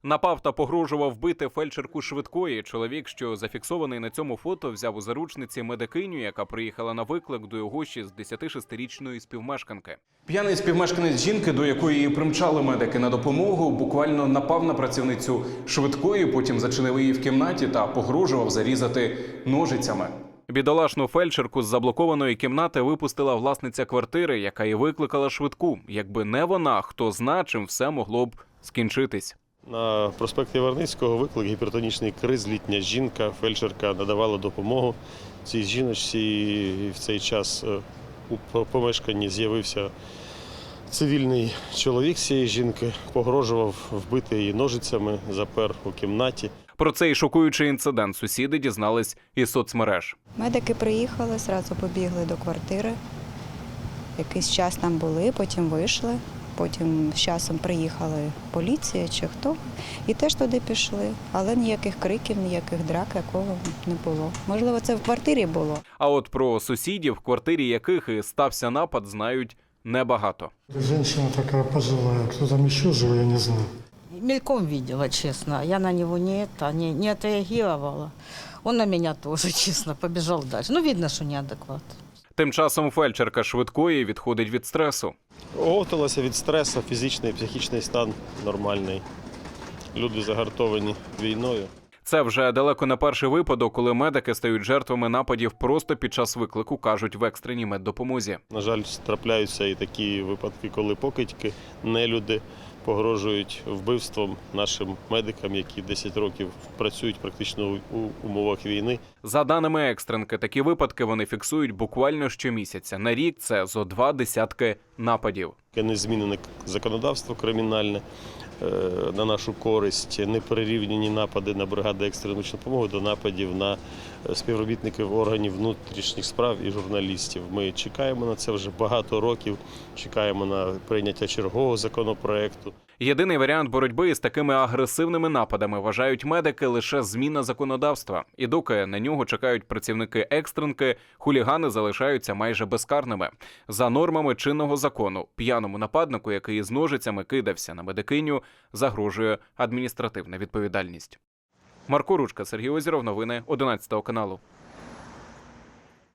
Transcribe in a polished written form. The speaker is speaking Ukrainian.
Напав та погрожував вбити фельдшерку швидкої. Чоловік, що зафіксований на цьому фото, взяв у заручниці медикиню, яка приїхала на виклик до його 66-річної співмешканки. П'яний співмешканець жінки, до якої її примчали медики на допомогу, буквально напав на працівницю швидкої, потім зачинив її в кімнаті та погрожував зарізати ножицями. Бідолашну фельдшерку з заблокованої кімнати випустила власниця квартири, яка і викликала швидку. Якби не вона, хто зна, чим все могло б скінчитись. На проспекті Варницького виклик гіпертонічний криз, літня жінка, фельдшерка надавала допомогу цій жіночці. І в цей час у помешканні з'явився цивільний чоловік цієї жінки, погрожував вбити її ножицями, запер у кімнаті. Про цей шокуючий інцидент сусіди дізнались із соцмереж. Медики приїхали, одразу побігли до квартири. Якийсь час там були, потім вийшли. Потім з часом приїхала поліція чи хто, і теж туди пішли. Але ніяких криків, ніяких драк, якого не було. Можливо, це в квартирі було. А от про сусідів, в квартирі яких і стався напад, знають небагато. Женщина такая пожилая, кто там еще жил, я не знаю. Мельком видела, честно. Я на него не отреагировала. Он на меня тоже, честно, побежал дальше. Ну, видно, что неадекват. Тим часом фельдшерка швидкої відходить від стресу. Оговталася від стресу, фізичний, психічний стан нормальний. Люди загартовані війною. Це вже далеко не перший випадок, коли медики стають жертвами нападів просто під час виклику, кажуть в екстреній меддопомозі. На жаль, трапляються і такі випадки, коли покидьки, нелюди погрожують вбивством нашим медикам, які 10 років працюють практично у умовах війни. За даними екстренки, такі випадки вони фіксують буквально щомісяця. На рік це зо 20 нападів. Не змінене законодавство кримінальне на нашу користь, не перерівняні напади на бригади екстреної допомоги до нападів на співробітників органів внутрішніх справ і журналістів. Ми чекаємо на це вже багато років, чекаємо на прийняття чергового законопроекту. Єдиний варіант боротьби із такими агресивними нападами, вважають медики, лише зміна законодавства. І доки на нього чекають працівники екстренки, хулігани залишаються майже безкарними. За нормами чинного закону, п'яному нападнику, який з ножицями кидався на медикиню, загрожує адміністративна відповідальність. Марко Ручка, Сергій Озеров, новини 11 каналу.